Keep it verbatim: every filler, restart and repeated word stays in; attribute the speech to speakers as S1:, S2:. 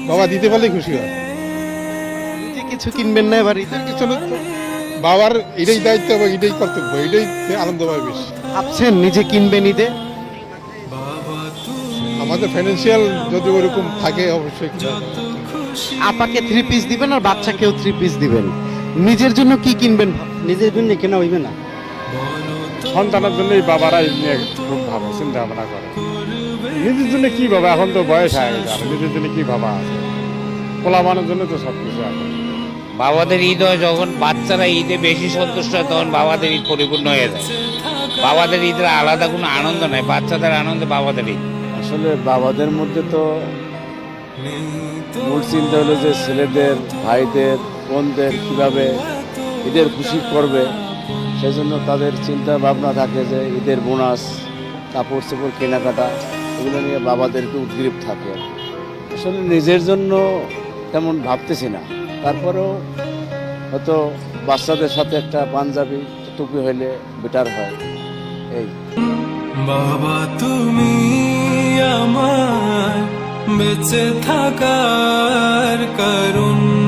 S1: বাবা দিতে পারলে খুশি হয়।
S2: নিজে কিছু কিনবেন না এবার ঈদে?
S1: কিছু না তো, বাবার এটাই দায়িত্ব এবং এটাই কর্তব্য, এটাই আনন্দ পায় বেশি।
S2: ভাবছেন নিজে কিনবেন ঈদে?
S1: আমাদের ফাইন্যান্সিয়াল যদি ওরকম থাকে অবশ্যই কিনা যাবে।
S2: আপাকে থ্রি পিস দিবেন আর বাচ্চাকেও থ্রি পিস দিবেন, নিজের জন্য কি কিনবেন?
S3: নিজের জন্য কেনা হইবে না,
S4: সন্তানের জন্যই বাবারা এই নিয়ে খুব ভাবে চিন্তা ভাবনা করে। নিজের জন্য কি ভাবা, এখন তো বয়স হয়ে গেছে, আর নিজের জন্য কি ভাবা আছে? পোলাবানের জন্য তো সব কিছু আছে।
S5: বাবাদের ঈদ হয় যখন বাচ্চারা ঈদে বেশি সন্তুষ্ট হয়, তখন বাবাদের ঈদ পরিপূর্ণ হয়ে যায়। বাবাদের ঈদের আলাদা কোনো আনন্দ নাই, বাচ্চাদের আনন্দে বাবাদের ঈদ।
S6: আসলে বাবাদের মধ্যে তো মূল চিন্তা হলো যে ছেলেদের, ভাইদের, বোনদের কীভাবে ঈদের খুশি করবে, সেজন্য তাদের চিন্তা ভাবনা থাকে যে ঈদের বোনাস, কাপড় চোপড় কেনাকাটা, এগুলো নিয়ে বাবাদেরকে উদ্গ্রীব থাকে। আসলে নিজের জন্য তেমন ভাবতেছি না, তারপরেও হয়তো বাচ্চাদের সাথে একটা পাঞ্জাবি টুপি হইলে বেটার হয়। এই
S7: বাবা তুমি আমার বেঁচে থাকার কারণ।